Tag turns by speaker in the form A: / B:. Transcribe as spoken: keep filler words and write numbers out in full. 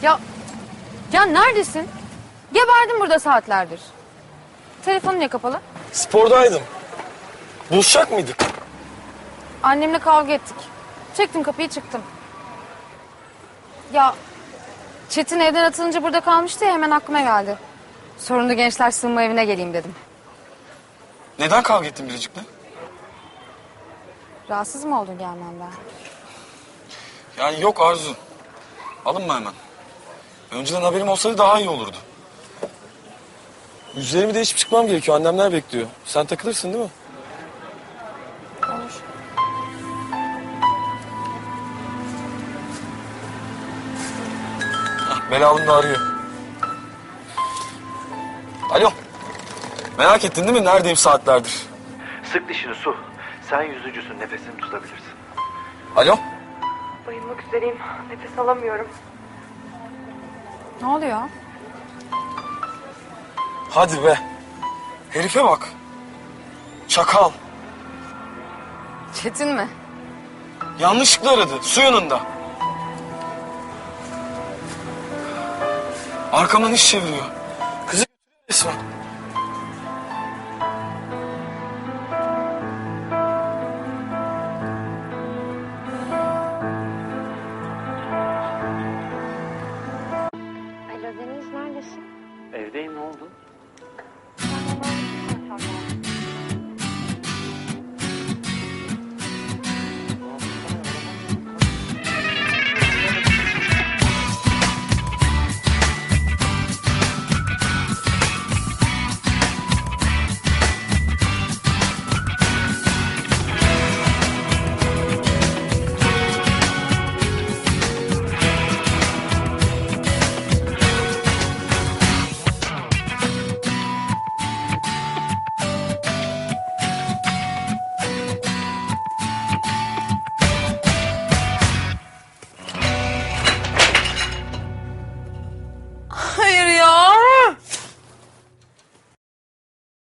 A: Ya, ya neredesin? Geberdim burada saatlerdir. Telefonun niye kapalı?
B: Spordaydım. Buluşacak mıydık?
A: Annemle kavga ettik. Çektim kapıyı çıktım. Ya Çetin evden atılınca burada kalmıştı ya, hemen aklıma geldi. Sorunlu gençler sığınma evine geleyim dedim.
B: Neden kavga ettin Biricik'le?
A: Rahatsız mı oldun gelmemden?
B: Yani yok Arzu. Alınma hemen. Önceden haberim olsaydı daha iyi olurdu. Yüzlerimi değişip çıkmam gerekiyor. Annemler bekliyor. Sen takılırsın değil mi?
A: Olur.
B: Hah, Belalım da arıyor. Alo. Merak ettin değil mi? Neredeyim saatlerdir?
C: Sık dişini Su. Sen yüzücüsün, nefesini tutabilirsin.
B: Alo.
D: Bayılmak üzereyim. Nefes alamıyorum.
A: Ne oluyor?
B: Hadi be. Herife bak. Çakal.
A: Çetin mi?
B: Yanlışlıkla aradı. Su yanında. Arkamdan iş çeviriyor. Kızı götürüyor resmen.